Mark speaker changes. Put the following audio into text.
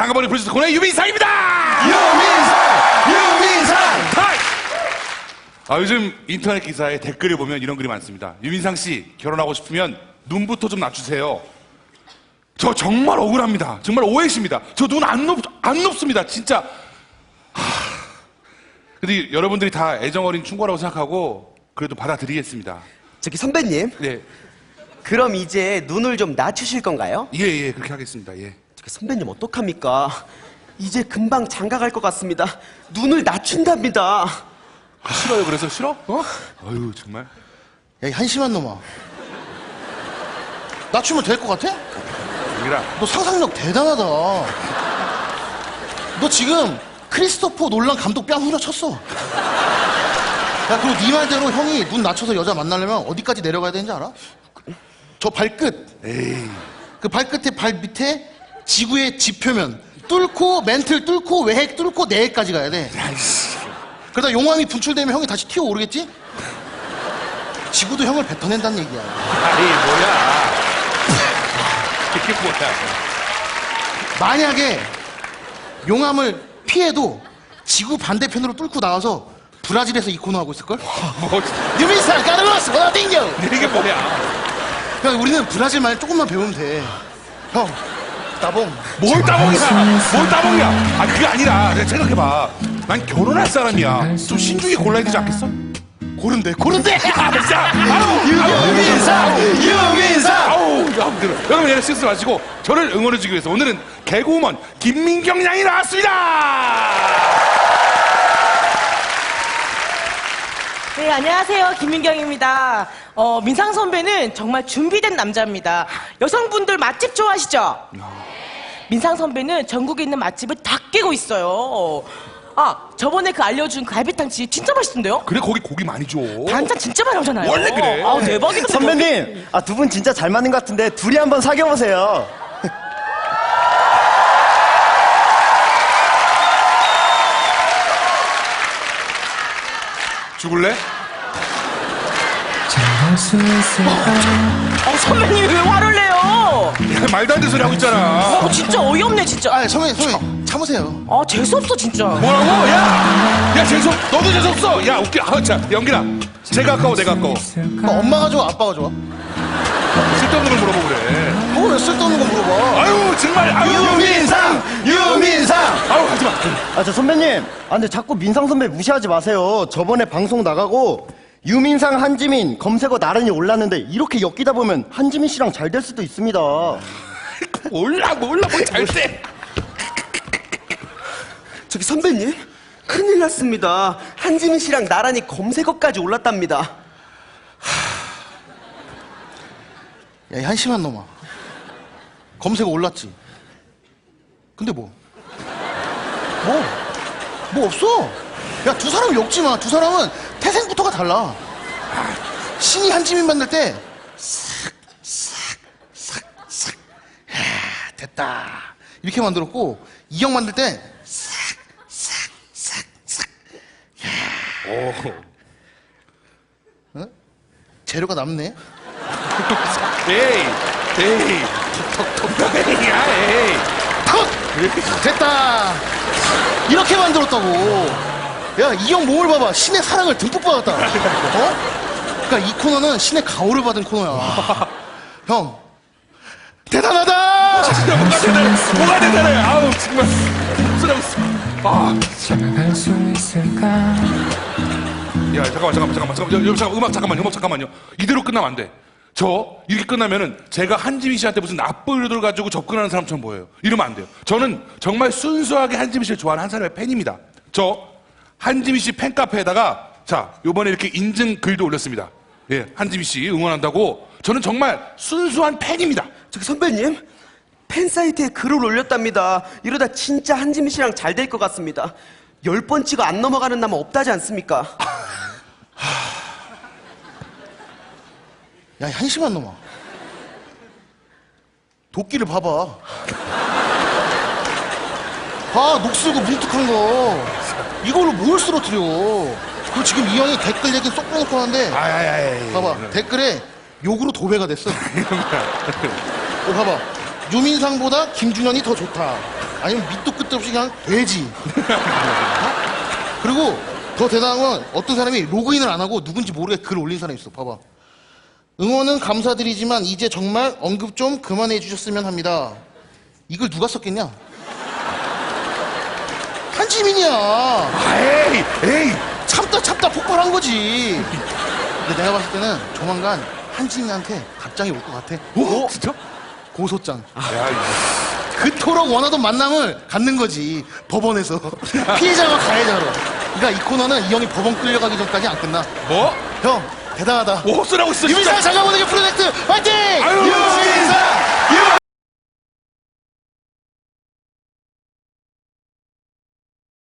Speaker 1: 장가버린 프로듀서 코너의 유민상입니다.
Speaker 2: 유민상.
Speaker 1: 요즘 인터넷 기사에 댓글을 보면 이런 글이 많습니다. 유민상 씨 결혼하고 싶으면 눈부터 좀 낮추세요. 저 정말 억울합니다. 정말 오해십니다. 저 눈 안 높습니다. 진짜. 근데 여러분들이 다 애정어린 충고라고 생각하고 그래도 받아들이겠습니다.
Speaker 2: 저기 선배님.
Speaker 1: 네.
Speaker 2: 그럼 이제 눈을 좀 낮추실 건가요?
Speaker 1: 예, 그렇게 하겠습니다. 예.
Speaker 2: 저기 선배님 어떡합니까? 이제 금방 장가 갈 것 같습니다. 눈을 낮춘답니다.
Speaker 1: 싫어요. 그래서 싫어? 아유 정말.
Speaker 3: 야, 이 한심한 놈아. 낮추면 될 것 같아?
Speaker 1: 여기라.
Speaker 3: 너 상상력 대단하다. 너 지금 크리스토퍼 놀란 감독 뺨 후려쳤어. 야, 그리고 네 말대로 형이 눈 낮춰서 여자 만나려면 어디까지 내려가야 되는지 알아? 저 발끝.
Speaker 1: 에이.
Speaker 3: 그 발끝에 발 밑에 지구의 지표면 뚫고 멘틀 뚫고 외핵 뚫고 내핵까지 가야 돼. 그러다 용암이 분출되면 형이 다시 튀어오르겠지? 지구도 형을 뱉어낸다는 얘기야.
Speaker 1: 아니 뭐야. 이게 뭐야.
Speaker 3: 만약에 용암을 피해도 지구 반대편으로 뚫고 나와서 브라질에서 이 코너 하고 있을걸?
Speaker 1: 뭐
Speaker 3: 유민상 까르로스 워딩겨.
Speaker 1: 이게 뭐야.
Speaker 3: 형, 우리는 브라질말 조금만 배우면 돼. 형, 따봉.
Speaker 1: 뭘 따봉이야. 그게 아니라 내가 생각해봐. 난 결혼할 사람이야. 좀 신중히 골라야 되지 않겠어?
Speaker 3: 고른데.
Speaker 1: 진짜.
Speaker 3: 유민상.
Speaker 1: 아우, 여러분 얘는 실수 마시고 저를 응원해주기 위해서 오늘은 개그우먼 김민경 양이 나왔습니다.
Speaker 4: 네, 안녕하세요. 김민경입니다. 민상 선배는 정말 준비된 남자입니다. 여성분들 맛집 좋아하시죠? 민상 선배는 전국에 있는 맛집을 다 깨고 있어요. 저번에 그 알려준 갈비탕 집 진짜 맛있던데요?
Speaker 1: 그래 거기 고기 많이 줘.
Speaker 4: 반찬 진짜 많이 오잖아요.
Speaker 1: 원래 그래.
Speaker 4: 대박이다.
Speaker 5: 선배님, 두 분 진짜 잘 맞는 것 같은데 둘이 한번 사귀어보세요.
Speaker 1: 죽을래?
Speaker 4: 선배님 왜 화를 내요?
Speaker 1: 야, 말도 안 되는 소리 하고 있잖아.
Speaker 4: 진짜 어이없네, 진짜.
Speaker 3: 아, 선배님, 참으세요.
Speaker 4: 재수없어, 진짜.
Speaker 1: 뭐라고? 야 너도 재수없어. 야 웃겨. 자 연기라. 제가 아까워 내가 아까워.
Speaker 3: 엄마가 좋아, 아빠가 좋아?
Speaker 1: 쓸데없는 걸 물어보고 그래.
Speaker 3: 왜 쓸데없는 거 물어봐?
Speaker 1: 아유 정말. 아유
Speaker 5: 유민상!
Speaker 1: 아유 하지마.
Speaker 5: 저 선배님, 근데 자꾸 민상 선배 무시하지 마세요. 저번에 방송 나가고 유민상, 한지민 검색어 나란히 올랐는데 이렇게 엮이다 보면 한지민 씨랑 잘 될 수도 있습니다.
Speaker 1: 몰라 뭐 잘 돼.
Speaker 2: 저기 선배님, 큰일 났습니다. 한지민 씨랑 나란히 검색어까지 올랐답니다.
Speaker 3: 야, 이 한심한 놈아. 검색어 올랐지? 근데 뭐 없어. 야, 두 사람 엮지 마. 두 사람은 태생부터가 달라. 신이 한지민 만날 때 싹 됐다 이렇게 만들었고, 이형 만들 때
Speaker 1: 오.
Speaker 3: 어? 재료가 남네.
Speaker 1: 에이. 야 에이.
Speaker 3: 됐다 이렇게 만들었다고. 야, 이 형 몸을 봐봐. 신의 사랑을 듬뿍 받았다. 그러니까 이 코너는 신의 가호를 받은 코너야. 형, 대단하다.
Speaker 1: 진짜 뭐가 대단해. 아우 정말 쓰라고있어. 야 잠깐만. 음악 잠깐만요. 이대로 끝나면 안 돼. 이렇게 끝나면은 제가 한지민 씨한테 무슨 나쁜 의도를 가지고 접근하는 사람처럼 보여요. 이러면 안 돼요. 저는 정말 순수하게 한지민 씨를 좋아하는 한 사람의 팬입니다. 한지민 씨 팬카페에다가 요번에 이렇게 인증 글도 올렸습니다. 예, 한지민 씨 응원한다고. 저는 정말 순수한 팬입니다.
Speaker 2: 저기 선배님, 팬사이트에 글을 올렸답니다. 이러다 진짜 한지민 씨랑 잘 될 것 같습니다. 10번 치고 안 넘어가는 남은 없다지 않습니까?
Speaker 3: 야, 이 한심한 놈아. 도끼를 봐봐. 녹슬고 뭉툭한 거. 이걸로 뭘 쓰러뜨려. 그리고 지금 이 형이 댓글 얘기는 쏙 빼놓고 하는데, 봐봐. 댓글에 욕으로 도배가 됐어. 봐봐. 유민상보다 김준현이 더 좋다. 아니면 밑도 끝도 없이 그냥 돼지. 그리고 더 대단한 건 어떤 사람이 로그인을 안 하고 누군지 모르게 글 올린 사람이 있어. 봐봐. 응원은 감사드리지만 이제 정말 언급 좀 그만해 주셨으면 합니다. 이걸 누가 썼겠냐? 한지민이야.
Speaker 1: 에이.
Speaker 3: 참다 폭발한 거지. 근데 내가 봤을 때는 조만간 한지민한테 답장이 올 것 같아.
Speaker 1: 진짜?
Speaker 3: 고소장.
Speaker 1: 야,
Speaker 3: 그토록 원하던 만남을 갖는 거지. 법원에서. 피해자와 가해자로. 그러니까 이 코너는 이 형이 법원 끌려가기 전까지 안 끝나.
Speaker 1: 뭐?
Speaker 3: 형, 대단하다.
Speaker 1: 뭐 헛소리하고 있어,
Speaker 3: 유민상
Speaker 1: 진짜.
Speaker 3: 장가보내기 프로젝트 화이팅!
Speaker 1: 아유,
Speaker 3: 유민상!